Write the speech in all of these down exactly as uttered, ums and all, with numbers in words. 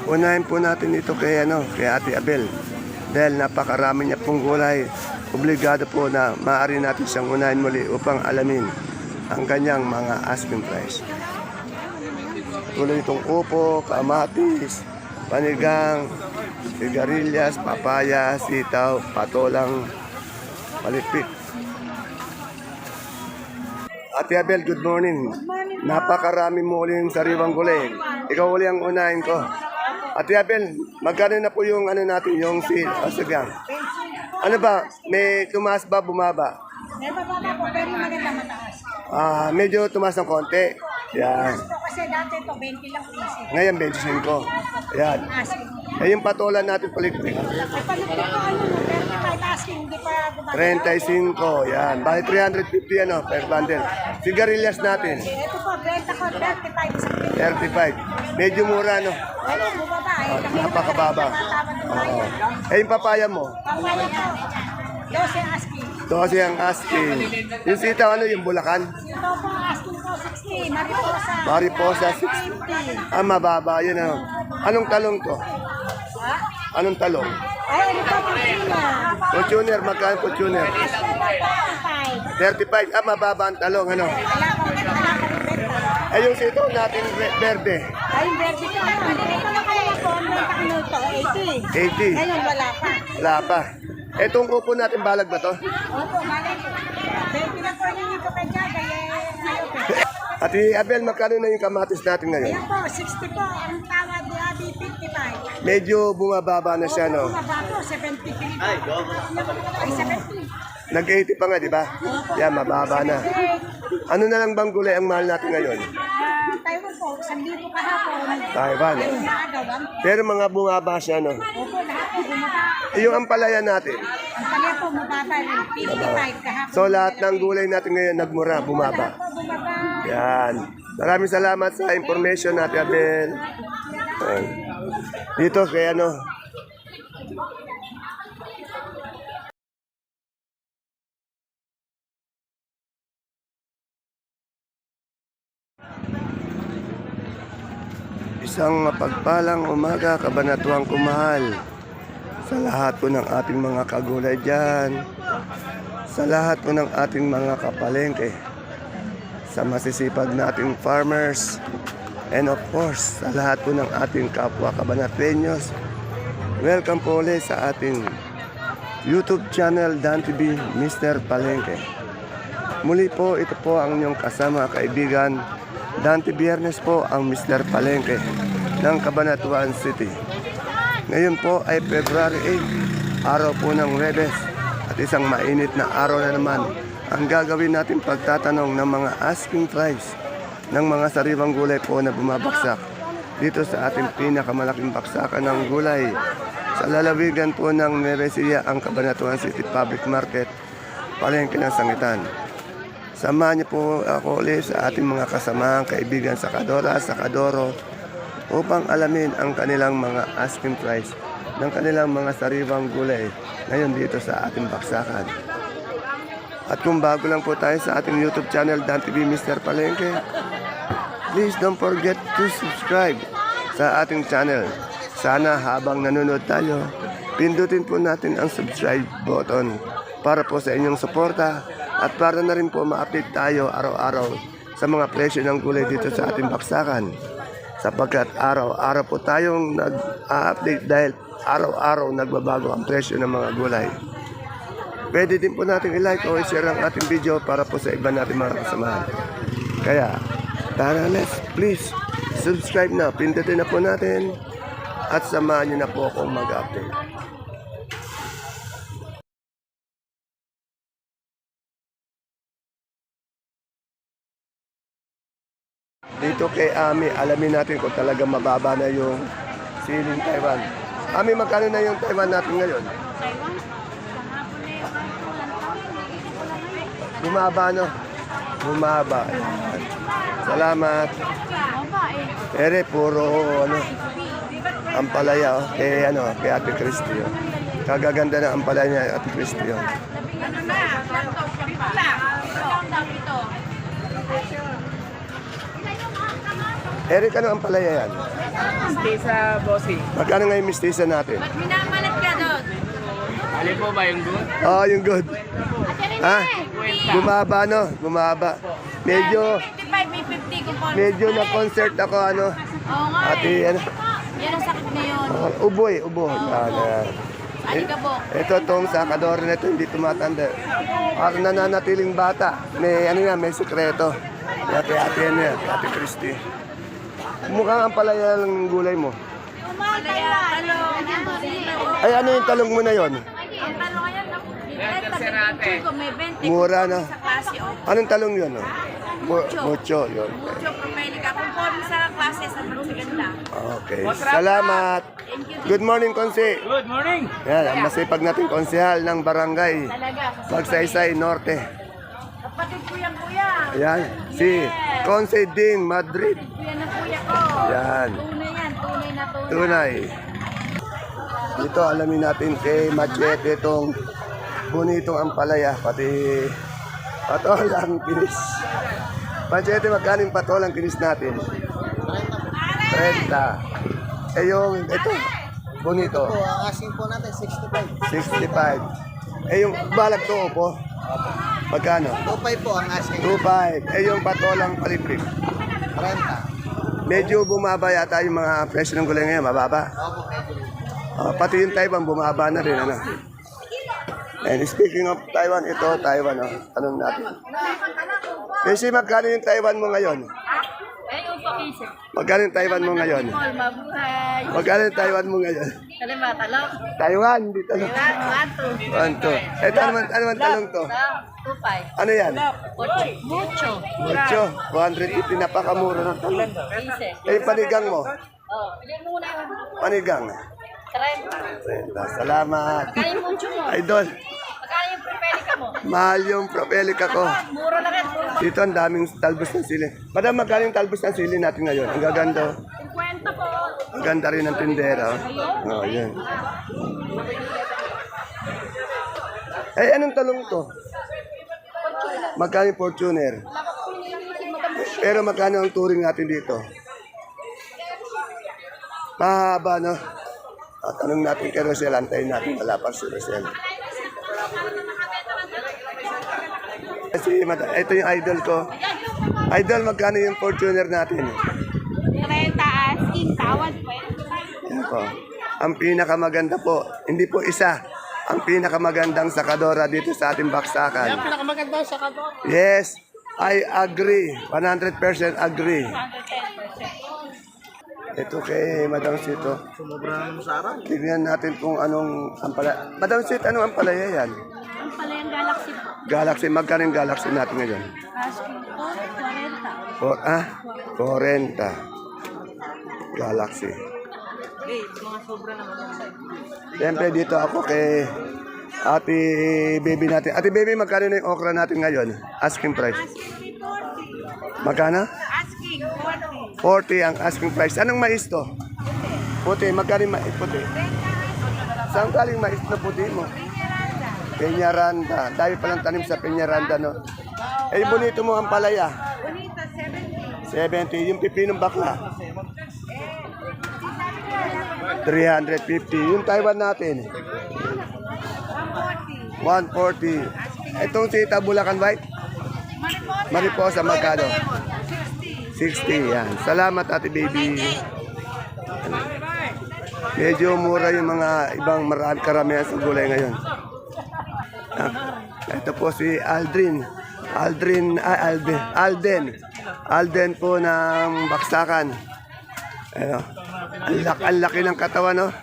Unahin po natin ito kay, ano, kay Ate Abel. Dahil napakarami niya pong gulay. Obligado po na maaari natin siyang unahin muli upang alamin ang kanyang mga asking price. Tuloy itong upo, kamatis, panigang, sigarilyas, papaya, sitaw, patolang, palipik. Ate Abel, good morning. Napakarami mo uling sariwang gulay. Ikaw uli ang unahin ko. Ate Abel, magkano na po yung ano natin, yung si Asagang? Ano ba, may tumaas ba, bumaba? May bababa po, pero maganda mataas. Ah, medyo tumaas ng konti. Yan. Ito kasi dati ito, twenty lang piso. Ngayon, twenty-five. Yan. Asking. Eh, yung patola natin palikpik. Ay, palipit ko ano, thirty-five asking, hindi pa gumagawa. thirty-five. Yan. Bali, three hundred fifty ano, per bundle. Sigarilyas natin, Ito po, benta ko, thirty-five isang kilo. thirty-five. Medyo mura, no? Ano, bumaba eh. Oh, Kami napakababa. Oo. Eh, yung papaya mo? Pamaya ko, twelve asking. Ito kasi ang asking. Yung sitaw, ano, yung Bulacan? Ito po, asking ko, sixty. Mariposa. Mariposa, sixty. fifty. Ah, mababa. Yun, ano. Anong talong to? Ha? Anong talong? Ay, ano po, Martina? Fortuner, magkano Fortuner? thirty-five. thirty-five. Ah, mababa ang talong, ano? Wala pang wala pang benta. Eh, yung sitaw natin, re- verde. Ay, yung verde ko, ano? Ito na kaya po, ang benta ko nito, eighty. eighty. Ngayon, wala pa. Wala pa. Etong upo natin, balag ba to? Opo, balik. twenty na po yung ito kay Jaga, eh, ayaw po. Ate Abel, magkano na yung kamatis natin ngayon? Ayan po, sixty po. Ang tawad ni Abi, fifty-five. Medyo bumababa na siya, no? Bumaba po, seventy-three. Ay, Ay, seventy. Nag-eighty pa nga, di ba? Yan, mababa na. Ano na lang bang gulay ang mahal natin ngayon? Ah, Taiwan po, isang libo kahapon. Taiwan. Ay, naagawan. Pero mga bumaba siya, no? Opo, lahat po bumaba. Eh, yung ampalaya natin. Ang kanya po, mababa rin. fifty-five kahapon. So, lahat ng gulay natin ngayon nagmura, bumaba. Po, bumaba. Yan. Maraming salamat sa information natin, Abel. Yan. Dito kay ano, isang mapagpalang umaga, kabanatuang kumahal sa lahat po ng ating mga kagulay dyan, sa lahat po ng ating mga kapalengke, sa masisipag nating farmers, and of course, sa lahat po ng ating kapwa kabanatenyos. Welcome po ulit sa ating YouTube channel, Dan T V, Mister Palengke. Muli po, ito po ang inyong kasama, kaibigan, Dante Biernes po ang Mister Palengke ng Cabanatuan City. Ngayon po ay February eighth, araw po ng Huwebes, at isang mainit na araw na naman ang gagawin natin pagtatanong ng mga asking price ng mga sariwang gulay po na bumabaksak dito sa ating pinakamalaking baksakan ng gulay sa lalawigan po ng Nueva Ecija, ang Cabanatuan City Public Market, Palengke ng Sangitan. Samahan niyo po ako ulit sa ating mga kasamaang kaibigan sa Kadora, sa Kadoro, upang alamin ang kanilang mga asking price ng kanilang mga sariwang gulay ngayon dito sa ating baksakan. At kung bago lang po tayo sa ating YouTube channel, Dan T V Mister Palengke, please don't forget to subscribe sa ating channel. Sana habang nanonood tayo, pindutin po natin ang subscribe button para po sa inyong suporta at para na rin po ma-update tayo araw-araw sa mga presyo ng gulay dito sa ating baksakan. Sapagkat araw-araw po tayong nag-update dahil araw-araw nagbabago ang presyo ng mga gulay. Pwede din po natin i-like o i-share ang ating video para po sa iba natin mga kasamahan. Kaya, tara, let's please subscribe na. Pindutin na po natin at samahan nyo na po akong mag-update. Dito kay Ami, alamin natin kung talaga mababa na yung siling Taiwan. Ami, magkano na yung Taiwan natin ngayon? Bumaba, no? Bumaba. Ayan. Salamat. Ere, puro, ano, ampalaya, oh. Kay, ano, kay Ate Christy, oh. Kagaganda na ampalaya niya, Ate Christy, oh. Ano na? Wala. Ito. Eric, ano ang palaya yan? Stay sa bossing. Magkano nga yung mistisa natin? Minamalat ka doon. Alin po ba yung good? Oh, yung good. Ha? Bumaba, no? Bumaba. Medyo, fifty-five, may fifty kung paano. medyo na-concert ako, ano? Oo nga Ate, eh. ano? Yan ang sakit na yun. Oh, ubo eh, ubo. Yan, yan. Alikabok. Ito, itong sakador na ito, hindi tumatanda. Parang nananatiling bata. May, ano yan, may sekreto. Ate, ate, ano yan, ate Christy. Mukhang ang palaya ng gulay mo. Malaya, talong. Ay, ano yung talong mo na yon? Ang talong yan, Yan, tercerate. may twenty. Mura, no? Sa klase, oh. Anong talong yun? Oh? Mu- mucho, yun. Mucho propelica. Kung paano sa klase, sa magaganda. Okay, salamat. Good morning, Konse. Good morning! Yan, ang masipag nating konsehal ng barangay Talaga. Magsaysay Norte. Kapatid ko yan, kuya. Ayan, si Konse Ding Madrid. Kuya ng kuya ko. Yan, Tunay yan, tunay na tunay. tunay. Dito, alamin natin kay Machete itong bonitong ampalaya, pati patolang kinis. Machete, magkano yung patolang kinis natin? thirty. Eh yung, ito, bonito. Po, ang asking po natin, sixty-five. sixty-five. Eh yung balag to po, magkano? two five po ang asking. two five. Eh yung patolang palipik. thirty. Medyo bumaba yata yung mga presyo ng gulay ngayon, mababa. Opo, medyo. Ah, pati yung Taiwan, bumaba na rin, ano. And speaking of Taiwan, ito, Taiwan, oh. Tanong natin. Kasi magkano yung Taiwan mo ngayon? Ay, upo kisip. Magkano yung Taiwan mo ngayon? Paul, mabuhay. Magkano yung Taiwan mo ngayon? Kalima, talong. Taiwan, di talong. One, one, two. One, two. Ito, ano man, ano man talong to? Two, five. Ano yan? Ocho. Mucho. Mucho. one hundred eighty, napakamura ng talong. Quince. Eh, yung panigang mo? Oh, yan muna yun. Panigang. Trenta. Trenta. Salamat. Magkano yung mucho mo? Idol, Magkano yung propelica mo? mahal yung propelica ko. Mura lang yan. Mura. Dito ang daming talbos ng sili. Madam, magkano yung talbos ng sili natin ngayon? Ang gaganda. oh. Kwenta po. Ang ganda rin ng tindera. Oh, oh yun. Eh, anong talong to? Magkano yung Fortuner? Pero magkano ang touring natin dito? Mahaba, no? At tanong natin kay Rosel, antayin natin malapang si Rosel. Kasi mata- ito yung idol ko. Idol, magkano yung Fortuner natin? Trenta asking. Tawad po. Yan po. Ang pinakamaganda po, hindi po isa, ang pinakamagandang sakadora dito sa ating baksakan. Pinakamaganda sa kanto. Yes, I agree. one hundred percent agree. Ito kay Madam Sito. Sumobra naman sa araw. Tignan natin kung anong ampalaya. Madam Sito, anong ampalaya yan? Ang pala yung galaxy po. Galaxy, magkano yung Galaxy natin ngayon? Asking po, forenta. For, ah, forty. Galaxy. Eh, mga sobra naman yung side. Siyempre dito ako kay Ate Baby natin. Ate Baby, magkano na yung okra natin ngayon? Asking price. Asking forty. Magkano? Asking forty. forty ang asking price. Anong mais to? Puti. Magkano yung mais puti? Saan galing mais na puti mo? Peñaranda. Dahil palang tanim sa Peñaranda, no? Eh, yung bonito mo ang palaya. Bonita, seventy. seventy. Yung pipinong bakla. three fifty. Yung Taiwan natin. one forty. Itong sita Bulacan White. Mariposa, magkano? sixty. Yan. Salamat, Ate Baby. Medyo mura yung mga ibang marami karamihan sa gulay ngayon. Ah, ito po si Aldrin. Aldrin, ah, Alden. Alden. Alden po ng Baksakan. Ano? Ang laki, ang laki ng katawan, no?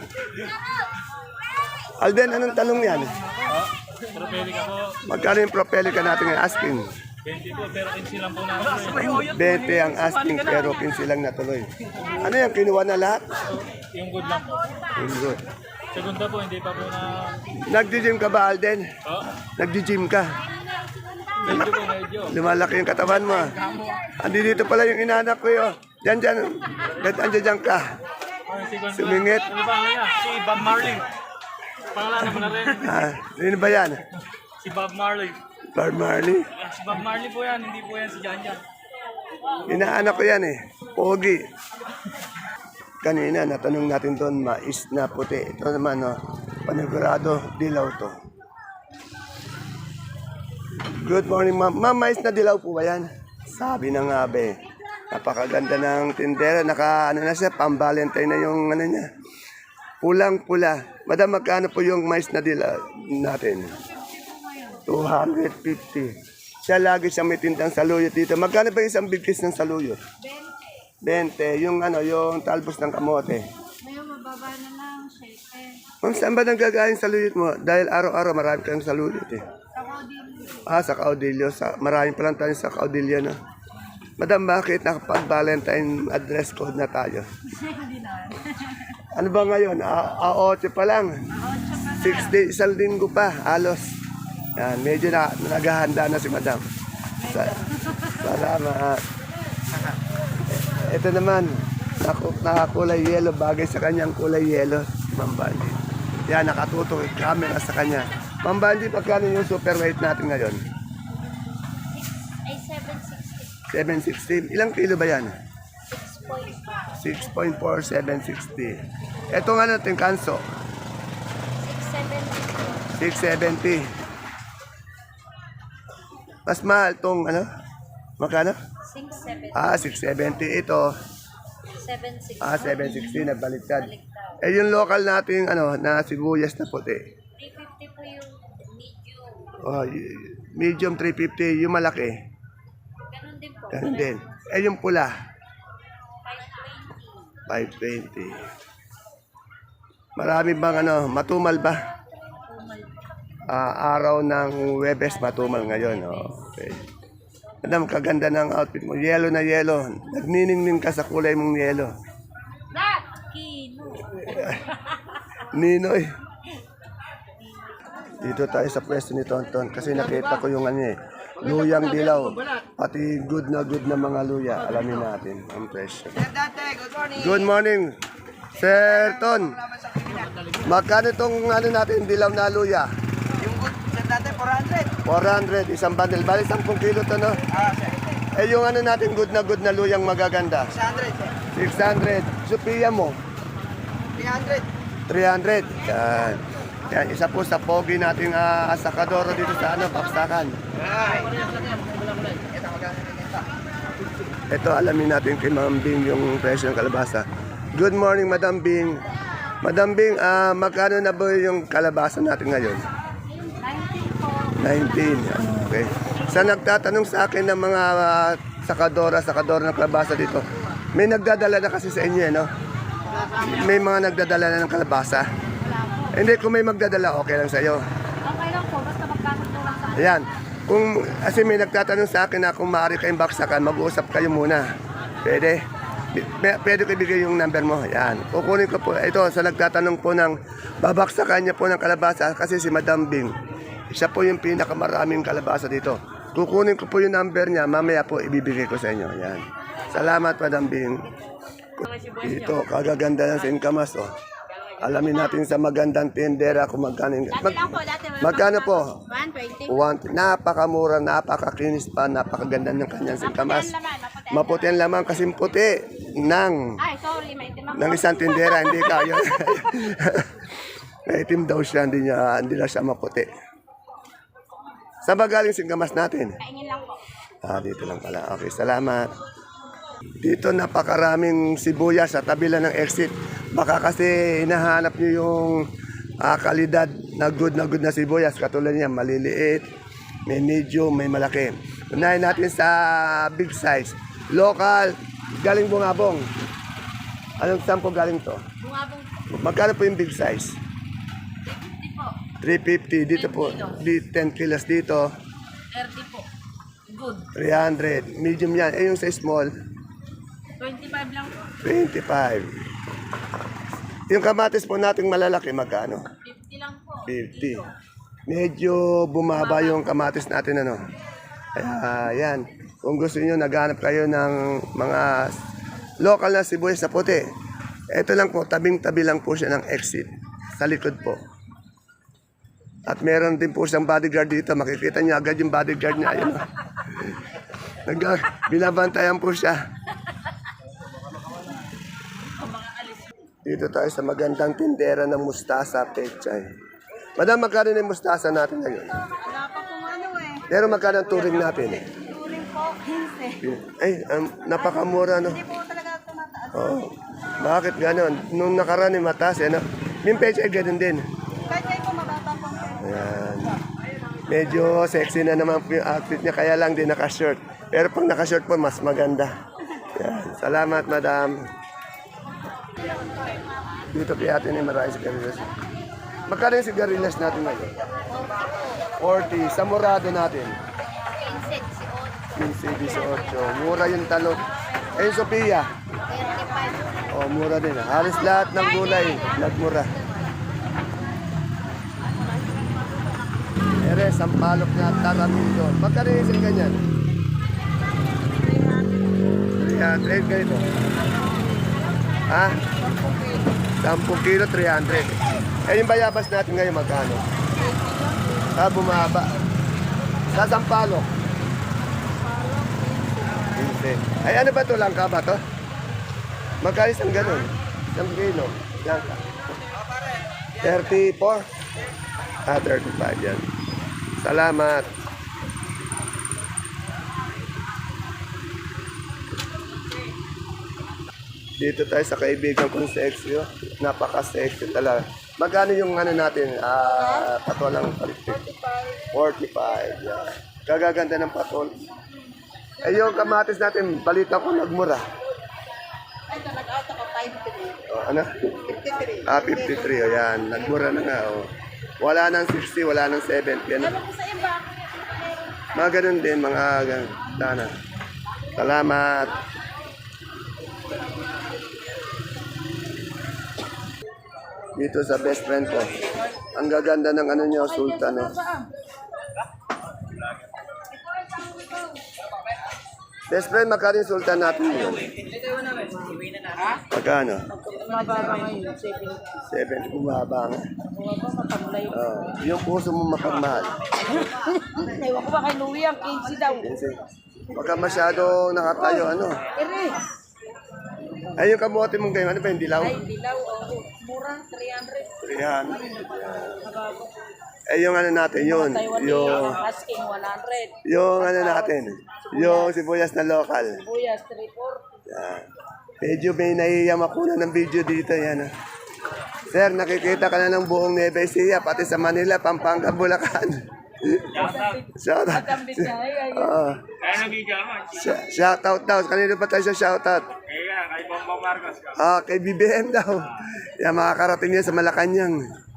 Alden, anong talong yan? Propelica po. Magkano yung propelica natin ngayon? Asking. twenty po, pero kinsi lang po namin. twenty ang asking, pero quince lang natuloy. Ano yan? Kinuha na lahat? Yung good lang po. Very good. Segunda po, hindi pa po na... Nagdi-gym ka ba, Alden? Oh, Nagdi-gym ka? medyo po, medyo. Lumalaki yung katawan mo. ah. Andi dito pala yung inanak ko yun. Diyan, diyan. Diyan, diyan, diyan ka. Oh, si Gon- Sumingit. Ano ba niya? Si Bob Marley. Pangalan naman na rin. Ah, sino ba yan? Si Bob Marley. Bob Marley? Ah, Si Bob Marley po yan, hindi po yan si Jan Jan. Inaanak ko yan eh. Pogi. Kanina, natanong natin doon, mais na puti. Ito naman, no, panigurado, dilaw to. Good morning, ma'am. Ma'am, mais na dilaw po ba yan? Sabi na nga, be. Napakaganda ng tindera. Naka, ano na siya, pang-valentine na yung, ano niya. Pulang-pula. Madam, magkano po yung mais na dilaw natin? two fifty. Siya lagi siya may tindang saluyot dito. Magkano ba yung isang bigkis ng saluyot? twenty. Yung ano, yung talbos ng kamote. Ngayon, mababa na lang, shake. Ma'am, saan ba nanggagaling saluyot mo? Dahil araw-araw marami kang saluyot eh. Ako din. Ah, sa Caudillo. Sa, marami pa lang tayo sa Caudillo, no? Madam, bakit nakapag-Valentine address code na tayo? Hindi na. Ano ba ngayon? A A8 pa lang. Six days, isang linggo pa, halos. Yan, medyo na, naghahanda na si Madam. Sa, salamat. Ito naman, naku, nakakulay yellow, bagay sa kanyang kulay yellow, Ma'am Bandy. Yan, nakatutok yung camera sa kanya. Ma'am Bandy, pagkano yung super weight natin ngayon? Ay, seven sixty. seven sixty. Ilang kilo ba yan? six point five. six point four, seven sixty. Ito nga natin, kanso. six seventy. six seventy. Mas mahal itong ano? Magkano? six seventy. Ah, six seventy. Ito, seven sixty. ah, seven sixty. Nagbaliktad. Eh, yung local nating ano, na sibuyas na puti. three fifty po yung medium. Oh, y- medium three fifty. Yung malaki. Ganun din po. Ganun din. Eh, yung pula, five twenty. five twenty. Marami bang ano, matumal ba? Ah, araw ng Webes, matumal ngayon. Oh, okay. Madam, kaganda ng outfit mo. Yellow na yellow. Nagniningning ka sa kulay mong yellow. That! Kino. Ninoy. Dito tayo sa pwesto ni Tonton kasi nakita ko yung ano eh, luyang dilaw. Pati good na good na mga luya. Alamin natin ang presyo. Good morning, Sir Ton. Magkano itong ano natin, dilaw na luya? Yung good set natin, four hundred. four hundred, isang bundle. Bali, ten kilo to, no? Ah, sir. Eh, yung ano natin, good na good na luyang magaganda. six hundred, sir. six hundred. Sophia mo, three hundred. three hundred. Yan. Yan, isa po sa pogi nating uh, asakadoro dito sa ano, Paksakan. Ay. Ito, magkano na ito? Ito, alamin natin kay Ma'am Bing yung presyo ng kalabasa. Good morning, Madam Bing. Madam Bing, ah, magkano na ba yung kalabasa natin ngayon? nineteen po. nineteen. Okay. Sa nagtatanong sa akin ng mga ah, sakadora, sakadora ng kalabasa dito, may nagdadala na kasi sa inyo, eh, no? May mga nagdadala na ng kalabasa. Hindi, kung may magdadala, okay lang sa'yo. Okay lang po, basta magkakot lang sa Ayan. Kung, kasi may nagtatanong sa akin na kung maaari kayong baksakan, mag-uusap kayo muna. Pwede? P- Pwede ko ibigay yung number mo. Ayan. Kukunin ko po. Ito, sa nagtatanong po ng babaksakan niya po ng kalabasa, kasi si Madam Bing, siya po yung pinakamaraming kalabasa dito. Kukunin ko po yung number niya, mamaya po ibibigay ko sa inyo. Ayan. Salamat, Madam Bing. Ito, kagaganda ng singkamas, oh. Alamin natin sa magandang tindera kung magkano yung... Mag, lang po, dati wala magkano po? one twenty. One, napakamura, napakakinis pa, napakaganda ng kanyang singkamas. Maputi ang laman kasi puti ng, Ay, sorry, may itim ako. ng isang tindera, hindi kayo. Itim daw siya, hindi, niya, hindi na siya maputi. Saan ba galing singkamas natin? Kaingin lang po. Ah, dito lang pala. Okay, salamat. Dito napakaraming sibuyas sa tabi lang ng exit. Baka kasi hinahanap nyo yung ah, kalidad na good na good na sibuyas. Katulad niya, maliliit, may medium, may malaki. Unahin natin sa big size. Local, galing Bungabong. Anong saan po galing to? Bungabong Magkano po yung big size? fifty po. three fifty. Dito po, di ten kilos dito. thirty po. Good. three hundred. Medium yan. Eh yung sa small, twenty-five lang po. twenty-five. Yung kamatis po nating malalaki, magkano? fifty lang po. fifty. Medyo bumaba yung kamatis natin, ano. Kaya, yan. Kung gusto niyo naghanap kayo ng mga local na sibuyas na puti, ito lang po, tabing-tabi lang po siya ng exit. Sa likod po. At meron din po siyang bodyguard dito. Makikita niyo agad yung bodyguard niya. Ayun. Nag binabantayan po siya. Dito tayo sa magandang tindera ng mustasa, pechay. Madam, magkano na yung mustasa natin ngayon? Wala pa pong ano eh. Pero magkano ang turing natin? Turing po, fifteen. Ay, um, napakamura, no? Hindi po talaga tumataas. Oh, bakit ganon? Nung nakaraan yung mataas, eh, no? Yung pechay, ganun din. Kaya po mababa pong Ayan. Medyo sexy na naman po yung outfit niya, kaya lang din naka-short. Pero pag naka-short po, mas maganda. Ayan. Salamat, madam. Dito kaya atin yung maraming sigarilyas. Magkano yung sigarilyas natin ngayon? forty. Sa murado natin? fifteen, eighteen. Mura yung talog. Eh, yung Sophia? Oh, mura din. ah. Halos lahat ng gulay, nagmura. Ere, sampalok na taramito. Magkano yung isang ganyan? three hundred ganito. Ha? ten kilo, three hundred. Eh, yung bayabas natin ngayon, magkano? Ah, bumaba. Sa sampalok? fifteen. Ay, ano ba to? Langka ba to? Magkano isang ganun? Isang kilo. Langka. thirty-four? Ah, thirty-five yan. Salamat. Dito tayo sa kaibigan kong sexy. Oh. Napaka-sexy talaga. Magkano yung ano natin? Ah, patol lang palikpik. forty-five. Yeah. Gagaganda ng patol. Eh, yung kamatis natin, balita ko nagmura. Ay, nag-out ako, fifty-three. Oh, ano? fifty-three. Ah, fifty-three. O yan. Nagmura na nga. Oh. Wala nang sixty, wala nang seventy. Ano? Ano po sa iba? Mga ganun din, mga ganun. Sana. Salamat. Dito sa best friend ko. Ang gaganda ng ano niya, Sultan. No? Best friend, magkano yung Sultan natin yun? Magkano? Mababa ngayon, seventy. Seven, bumaba nga. Bumaba, matamlay. Oh, yung puso mo mapagmahal. Ewan ko ba kay Louie ang quince daw. Kasi, baka masyado nakatayo, ano. Ere, Ay, yung kamote mong ganyan, ano ba yung dilaw? ay, dilaw, oh, mura, three hundred. Yan. Mabago. Eh, yung ano natin, yun. Taiwan Yung, asking one hundred. yung ano natin, yung sibuyas na local. Buyas, three forty. Yan. Medyo may nahihiyam ako na ng video dito, yan. ah. Sir, nakikita ka na ng buong Nueva Ecija, pati sa Manila, Pampanga, Bulacan. Shout out. Matambis na, ay, ay. Oo. Kaya nagigaman. Sh- shout out daw. Kanino pa tayo sa shout out? Kaya kay Bongbong Marcos. Ah, kay B B M daw. Yan, makakarating yan sa Malacanang.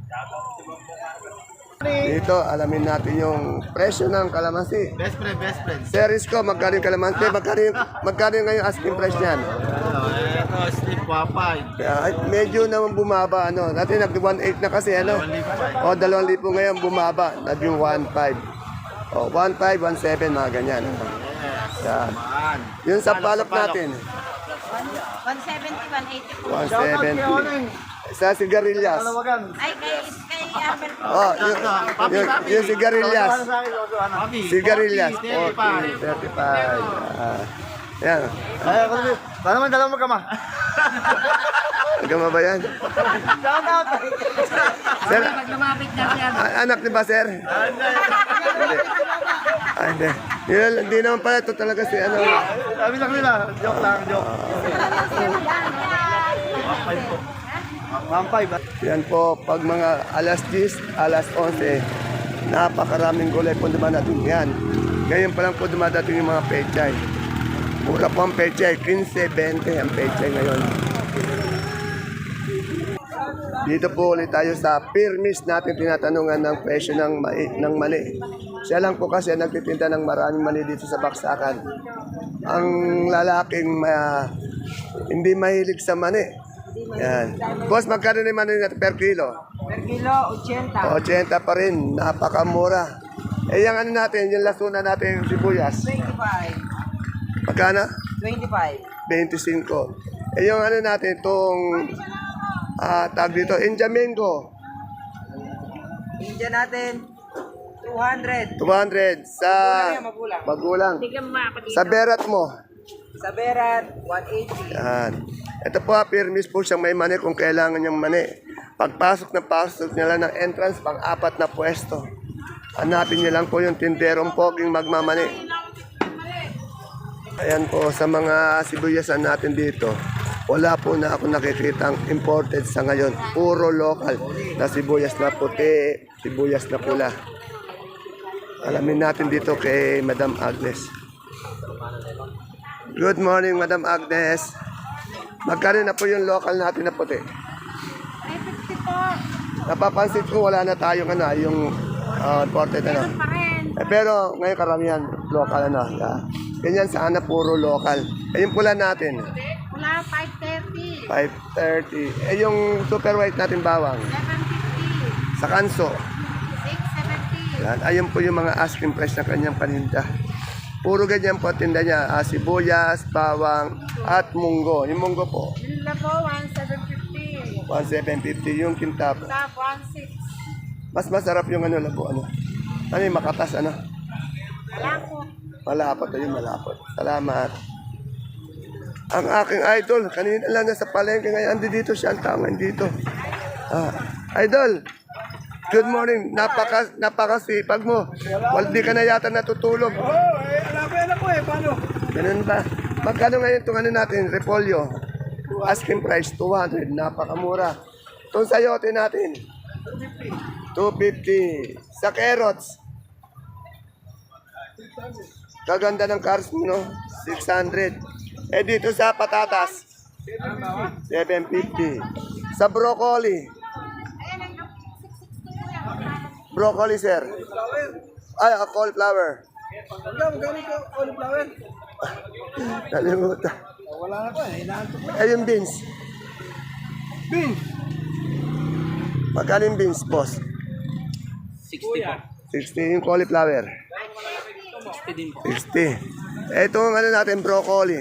Dito, alamin natin yung presyo ng kalamansi. Best friend, best friend. Series ko, magkano yung kalamansi? Magkano yung, magkano yung ngayon asking price niyan? Ano, ito, slip wapay. Kaya, ay, medyo naman bumaba, ano. Natin nag one eight na kasi, ano. O, dalawang lipo ngayon bumaba. Naging one five. O, one five, one seven, mga ganyan. Yan. Man. Yung sa palop natin, one seventy, one eighty po. one seventy. Sa sigarilyas. Ay, kay, kay Albert po. Oh, yung, yung, yung sigarilyas. Papi. Sigarilyas. forty, thirty-five. Ah. Yan. Ay, ako naman. Paano man dalawang magkama? Nagkama ba yan? Shout out. Sir, Pag lumapit na siya. a- anak ni ba, sir? Hindi. Ah, hindi. Yun, hindi naman pala ito talaga si ano. Sabi lang nila. Joke lang, joke. one five. Yan po, pag mga alas diyes, alas onse, napakaraming gulay po dumadating yan. Ngayon pa lang po dumadating yung mga pechay. Mura po ang pechay, fifteen, twenty ang pechay ngayon. Dito po ulit tayo sa Pirmis natin tinatanungan ng presyo ng, mai, ng mani. Siya lang po kasi nagtitinda ng maraming mani dito sa Baksakan. Ang lalaking ma, hindi mahilig sa mani. Yan. Boss, magkano na yung mani natin per kilo? Per kilo, eighty. eighty pa rin, napakamura. Eh, yung ano natin, yung lasuna natin yung sibuyas. twenty-five. Magkano? twenty-five. twenty-five. Eh, yung ano natin, itong ah, tag dito, India Mango. India natin, two two hundred. two hundred. Sa Magulang. magulang. Tignan mo ako dito. Sa berat mo. Sa Berat, one eighty. Yan. Ito po, permis po siyang may mani kung kailangan niyang mani. Pagpasok na pasok niya lang ng entrance, pang-apat na pwesto. Hanapin niya lang po yung tinderong poging magmamani. Ayan po, sa mga sibuyasan natin dito, wala po na ako nakikitang imported sa ngayon. Puro local na sibuyas na puti, sibuyas na pula. Alamin natin dito kay Madam Agnes. Good morning, Madam Agnes. Magkano na po yung local natin na puti? Ay, fifty po. Napapansin ko wala na tayong ano, yung uh, imported ano. Pa rin. Eh, pero ngayon karamihan local ano. Yeah. Ganyan sana puro local. Eh, yung pula natin, Wala, five thirty. five thirty. Eh, yung super white natin bawang, seven fifty. sa kanso. six seventy. Yan. Ayun po yung mga asking price ng kanyang paninda. Puro ganyan po tinda niya. Ah, sibuyas, bawang, at munggo. Yung munggo po, Yung labo, one seven fifty. one seven fifty. Yung kintab. Tap, one six. Mas masarap yung ano, labo, ano. Ano yung makatas, ano. Wala po. Malapot na yung malapot. Salamat. Ang aking idol, kanina lang nasa palengke ngayon, andi dito siya, ang tama dito. Ah, idol, good morning. Napaka, napakasipag mo. Wal, di ka na yata natutulog. Oo, eh, alam ko yan ako eh. Paano? Ganun ba? Magkano ngayon itong ano natin, repolyo? Asking price, two hundred. Napakamura. Itong sayote natin, two fifty. Sa carrots, kaganda ng cars mo, no? six hundred. Eh dito sa patatas, seven fifty. Sa broccoli, broccoli sir. Ay, a cauliflower. Hanggang, magkano ko cauliflower? Nalimutan. Wala na ko eh. Hinahanto ko. Eh yung beans. Beans. Magkano yung beans, boss? sixty po. sixty yung cauliflower. sixty din po. sixty. Eh, ito ang ano natin, broccoli.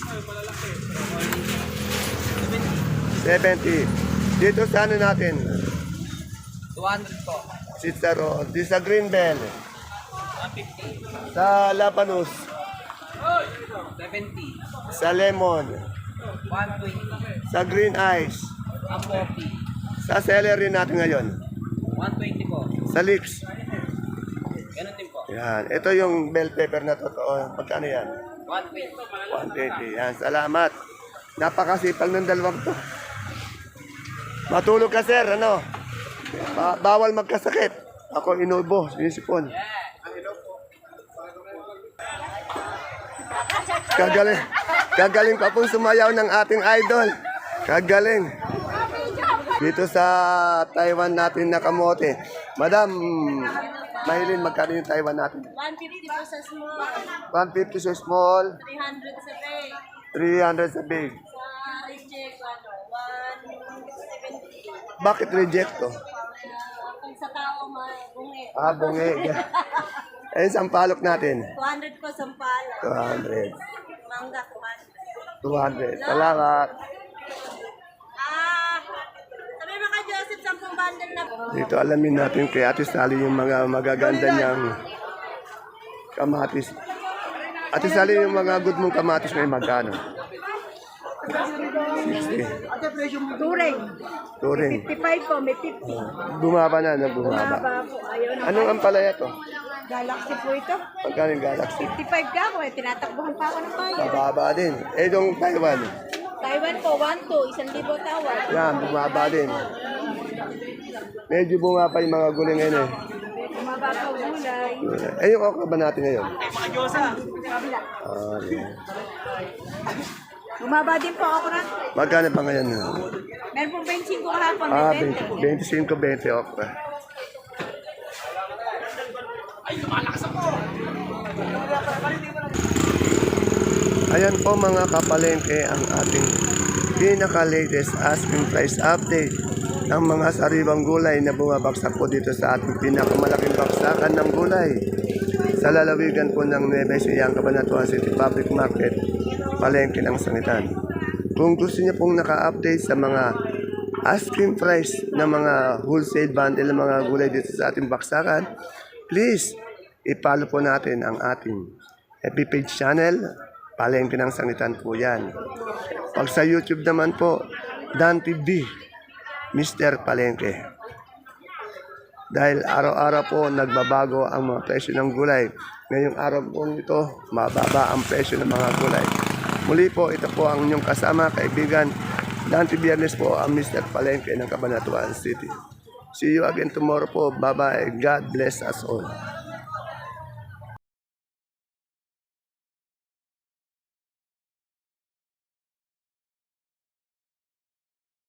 seventy. Dito sa ano natin, two hundred po. Cicero. Dito sa green bell. one fifty. Sa labanus. seventy. Sa lemon. one twenty. Sa green ice. one forty. Sa celery natin ngayon. one twenty po. Sa leeks. Ganun din po. Yan. Ito yung bell pepper na totoo. Magkano yan? one twenty. one twenty. Yan. Salamat. Napakasipal ng dalawang to. Matulog ka, sir. Ano? Ba- bawal magkasakit. Ako inubo. Sinisipon. Kagaling. Kagaling pa pong sumayaw ng ating idol. Kagaling. Dito sa Taiwan natin na kamote. Madam, Maylin, magkano yung Taiwan natin? one fifty po sa small. one fifty sa small, three hundred sa big. three hundred sa big. Sa reject, ano, one seventy. Bakit reject to? Kung sa tao, bungi. Ah, bungi. Ayun, sampalok natin. two hundred po sa pala. two hundred. Mangga, two hundred. two hundred. Salamat. Ah, sabi mo ka Joseph, sampung bundle na po. Dito alamin natin kay Ate Sally yung mga magaganda niyang kamatis. Ate Sally, yung mga good mong kamatis may magkano? sixty. Turing. Turing. fifty-five po, may fifty. Bumaba na, na bumaba. Baba po, ayaw na. Anong ampalaya to? Galaxy po ito. Magkano yung Galaxy? fifty-five ka po, eh. Tinatakbuhan pa ako ng bayan. Mababa din. Eh, yung Taiwan. Taiwan po, one two, isang libo tawad. Yan, bumaba din. Medyo bumaba yung mga gulay ngayon eh. Bumaba pa gulay. Eh, yung okra ba natin ngayon? Kabila. Ah, yan. Bumaba din po ako na. Magkano pa ngayon? Meron po twenty-five kahapon, Ah, may twenty. twenty-five, twenty okra. Ayan po mga kapalengke ang ating pinaka-latest asking price update ng mga sariwang gulay na bumabagsak po dito sa ating pinakamalaking baksakan ng gulay sa lalawigan po ng Nueva Ecija, Cabanatuan City Public Market, palengke ng Sangitan. Kung gusto niyo pong naka-update sa mga asking price ng mga wholesale bundle ng mga gulay dito sa ating baksakan, please, i-follow po natin ang ating F B page channel, Palengke ng Sangitan po yan. Pag sa YouTube naman po, Dan T V, Mister Palengke. Dahil araw-araw po nagbabago ang mga presyo ng gulay. Ngayong araw po ito, mababa ang presyo ng mga gulay. Muli po, ito po ang inyong kasama, kaibigan. Dante Biernes po ang Mister Palengke ng Cabanatuan City. See you again tomorrow po. Bye-bye. God bless us all.